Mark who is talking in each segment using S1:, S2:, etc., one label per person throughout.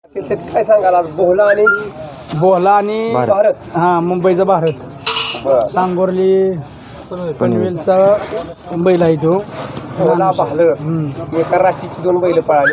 S1: काय सांगाल आज बोहला आणि भारत?
S2: हा, मुंबईचा भारत. सांगोर्ली पनवेलचा बैल आहे तो.
S1: बोहला एका राशीची 2 बैल पळाली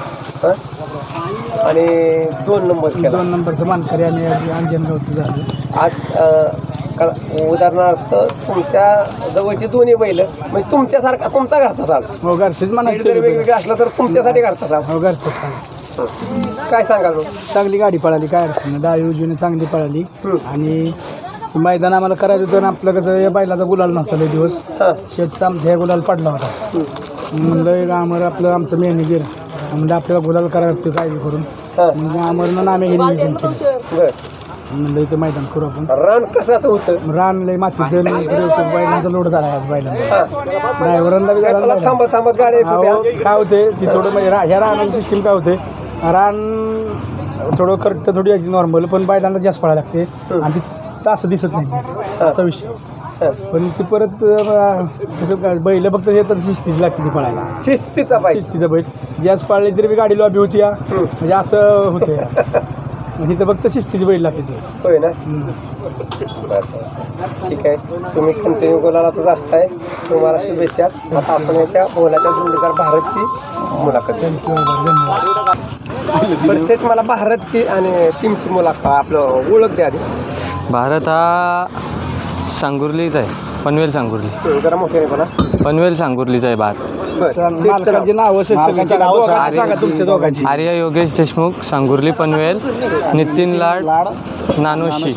S1: आणि 2 नंबर केला.
S2: 2 नंबरचं मानकरी आणि अंजनगावचं झालं
S1: आज. उदाहरणार्थ तुमच्या जवळची 2 बैल म्हणजे तुमच्यासारखा तुमचा घरचा साल.
S2: हो, घरचीच म्हणायचं.
S1: जर वेगवेगळं असलं तर तुमच्यासाठी घरचा साल.
S2: हो, घरचंच.
S1: काय सांगाल मग?
S2: चांगली गाडी पळाली, काय अडचण नाही. डावी उजवीने चांगली पळाली. आणि मैदान आम्हाला करायचं होतं. आपलं कसं या बैलाचा गुलाल नव्हता लय दिवस. शेतचा आमच्या ह्या गुलाल पडला होता. म्हणलं आमचं मॅनेजर म्हणजे आपल्याला गुलाल करायला लागतो काय करून. म्हणजे आमरनं आम्ही हे नियोजन केलं. म्हणलं इथं मैदान करू आपण.
S1: रान कसाचं होतं?
S2: रान लय मातीचं बैलांचा लोड झाला आहे बैलांचा. ड्रायव्हरांना
S1: थांबत गाडी
S2: काय होते ती थोडं म्हणजे ह्या रानाची सिस्टीम काय होते, रान थोडं करत थोडी नॉर्मल, पण बैलांना जास्त पळायला लागते आणि ती तास दिसत नाही असा विषय. पण ती परत कसं बैल फक्त हे तर शिस्तीची लागते ती पळायला.
S1: शिस्तीचा
S2: बैल जास्त पळली तरी गाडी लॉबी होती म्हणजे असं होते. इथं फक्त शिस्तीची बैल लागते ती.
S1: होय ना? ठीक आहे, तुम्ही कंटिन्यू गोलालाच असताय. तुम्हाला शुभेच्छा. आता आपण याच्या बोलाच्या जोडीदार भारतची मुलाखत. बरं सेट, मला भारतची आणि टीमची मुलाखत आपलं ओळख द्या आधी.
S3: भारत हा सांगुर्लीचा आहे, पनवेल सांगुर्ली.
S1: जरा मोठ्याने बोला.
S3: पनवेल सांगुर्लीचा आहे भारत. आर्य योगेश देशमुख, सांगुर्ली पनवेल. नितीन लाड, नानोशी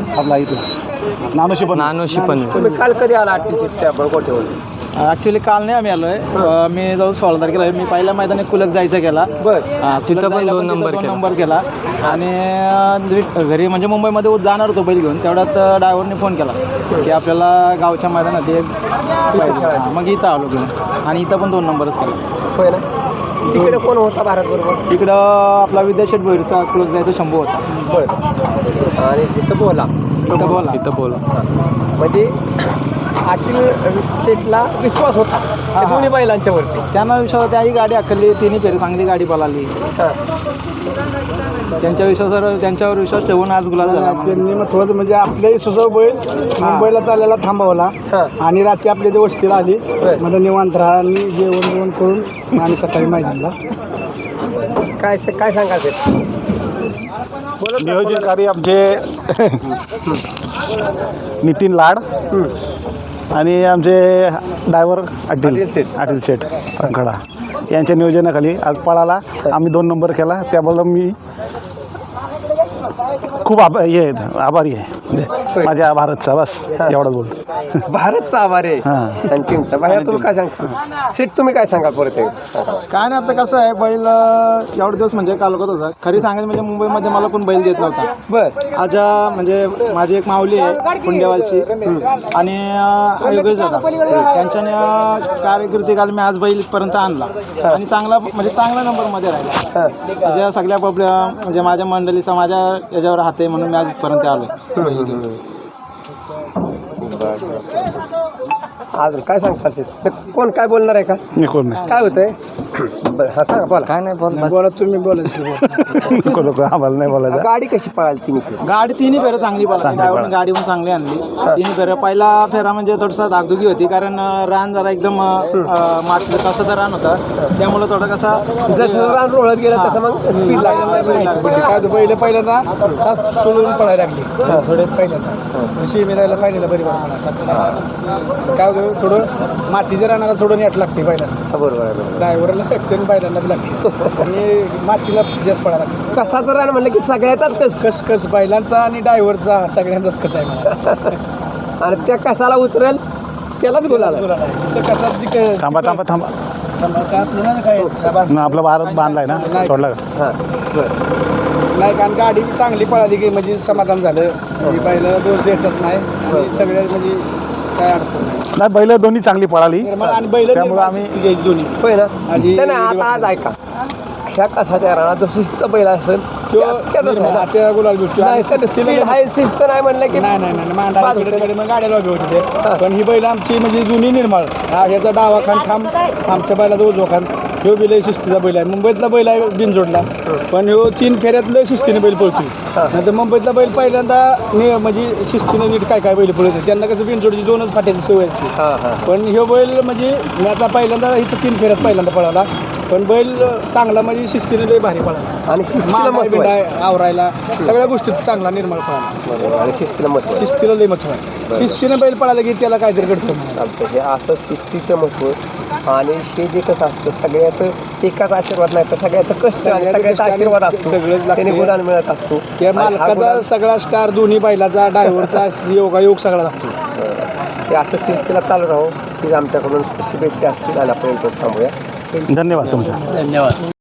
S3: पनवेल.
S1: तुम्ही काल कधी आला? त्या बळकोटेवर.
S2: ॲक्च्युली काल नाही आम्ही आलो आहे. मी जाऊन 16 तारखेला मी पहिल्या मैदानी कुलक जायचा केला.
S3: तिथं पण 2 नंबर केला.
S2: आणि घरी म्हणजे मुंबईमध्ये जाणार होतो बैल घेऊन. तेवढ्यात ड्रायव्हरने फोन केला की आपल्याला गावच्या मैदानात मग इथं आलो घेऊन आणि इथं पण 2 नंबरच केला.
S1: होय ना? तिकडे कोण होता भारत बरोबर?
S2: तिकडं आपला विद्याशेठ भैरचा कुलक जायचा शंभू होता.
S1: बरं. आणि तिथं बोला. म्हणजे आतील सेटला विश्वास होता त्या दोन्ही बैलांच्या वरती.
S2: त्यांना विश्वास होता. ही गाडी आखली, तिन्ही फेरी चांगली गाडी पळाली. त्यांच्यावर विश्वास ठेवून आज गुलाल झाला. त्यांनी महत्वाचं म्हणजे आपल्याही सुसव बैल मुंबईला चालायला थांबवला आणि रात्री आपल्या इथे वस्तीला आली. म्हणजे निवांत राहा आणि जेवण करून आणि सकाळी मैदानला.
S1: काय सांगायचं?
S4: नियोजनकारी आमचे नितीन लाड आणि आमचे ड्रायव्हर अटील शेठ खडा यांच्या नियोजनाखाली आज पळाला. आम्ही 2 नंबर केला. त्याबद्दल मी खूप आभारी आहे माझ्या भारतचा. बस एवढंच बोलतो.
S1: भारतचा आभार आहे आणि टीमचा. बाहेर तुम्ही काय सांगता? सेट तुम्ही काय सांगाल परत?
S2: काय नाही, आता कसं आहे, बैल एवढे दिवस म्हणजे कालवत होता. खरी सांगायचं म्हणजे मुंबईमध्ये मला कोण बैल देत नव्हता.
S1: बरं.
S2: आज म्हणजे माझी एक माऊली आहे पुंडेवालची आणि योगेश दादा त्यांच्याने कार्यकृती काल मी आज बैल इथपर्यंत आणला आणि चांगला नंबरमध्ये राहिला. माझ्या सगळ्या म्हणजे माझ्या मंडळीचा माझ्या याच्यावर हात आहे म्हणून मी आज इथपर्यंत आलो.
S1: अजून काय सांगता? कोण काय बोलणार आहे का?
S4: मी कोण नाही.
S1: काय होतंय? हा सांगा. बोला.
S3: काय नाही
S2: बोला, तुम्ही बोलायचं.
S4: आम्हाला नाही बोलायचं.
S1: गाडी कशी पळाली?
S2: गाडी तिन्ही फेरं चांगली पळाली. ड्रायव्हरने गाडी पण चांगली आणली. तिन्ही फेरं. पहिला फेरा म्हणजे थोडासा धाकधुकी होती कारण रान जरा एकदम मातीचं कसं तर रान होता. त्यामुळे थोडं कसं
S1: जसं रान रोळत गेलं तसं मग स्पीड लागली.
S2: बैल पहिल्यांदा सोडून पळायला लागली. थोडे पहिल्यांदा शिमेला फायनलला बरी काय थोडं मातीच्या रानाला थोडं नेट लागते पहिल्यांदा.
S1: बरोबर आहे.
S2: ड्रायव्हरला लागते आणि बैलांना बी लागते आणि मातीला जास्त पडायला लागते.
S1: कसाचं रान म्हणलं की सगळ्याचाच
S2: कस बैलांचा आणि ड्रायव्हरचा सगळ्यांचाच कसं आहे.
S1: आणि त्या कसाला उतरेल त्यालाच बोलायला.
S4: थांबा आपला भारत बांधलाय ना, सोडला का?
S2: नाही, कारण गाडी चांगली पळाली की म्हणजे समाधान झालं. पहिलं दोष द्यायचाच नाही. सगळ्या म्हणजे काय अडचण
S4: नाही. बैल दोन्ही चांगली पळाली
S2: आणि बैल
S4: त्यामुळे आम्ही
S2: दोन्ही
S1: होय ना. आता आज ऐका, ह्या कसाच्या रानात जो शिस्त बैल असेल
S2: गुलाल
S1: शिस्त नाही म्हणलं की
S2: नाही मग गाड्याला उभी होती ते. पण ही बैल आमची म्हणजे जुनी निर्माळ. ह्याचा डावा खान ठाम, आमच्या बैलाचा उजवा खान ह्यो बी लय शिस्तीचा बैल आहे. मुंबईतला बैल आहे बिनजोडला, पण ह्यो 3 फेऱ्यात लय शिस्तीने बैल पळतोय. नंतर मुंबईतला बैल पहिल्यांदा म्हणजे शिस्तीने नीट काय काय बैल पळतोय. त्यांना कसं बिनजोडची 2च फाट्याची सवय असते. पण ह्यो बैल म्हणजे मी आता पहिल्यांदा इथं 3 फेऱ्यात पहिल्यांदा पळाला, पण बैल चांगला म्हणजे शिस्तीने लय भारी पळाला.
S1: आणि शिस्तीला
S2: मागाय
S1: महत्व आहे.
S2: बिंडाय आवरायला सगळ्या गोष्टीत चांगला निर्मळ पळाला.
S1: बरोबर. आणि शिस्तीला महत्व आहे.
S2: शिस्तीला लय महत्व आहे. शिस्तीने बैल पळाला की त्याला काहीतरी घडतं.
S1: चालतं. हे असं शिस्तीचं महत्व आणि हे जे कसं असतं सगळ्याचं एकाच आशीर्वाद नाही तर सगळ्याचं कष्ट आणि सगळ्याचा आशीर्वाद असतो.
S2: सगळंच लागतं.
S1: त्याने गुलाल मिळत असतो.
S2: त्या
S1: आणि हा
S2: मालकाचा
S1: गुलाल-
S2: सगळा स्टार दोन्ही बैलाचा ड्रायव्हरचा योगायोग सगळा लागतो.
S1: हे असं सिलसिला चालू राहो की आमच्याकडून शुभेच्छा असतील आणि आपण इथं थांबूया.
S4: धन्यवाद तुमचा.
S2: धन्यवाद.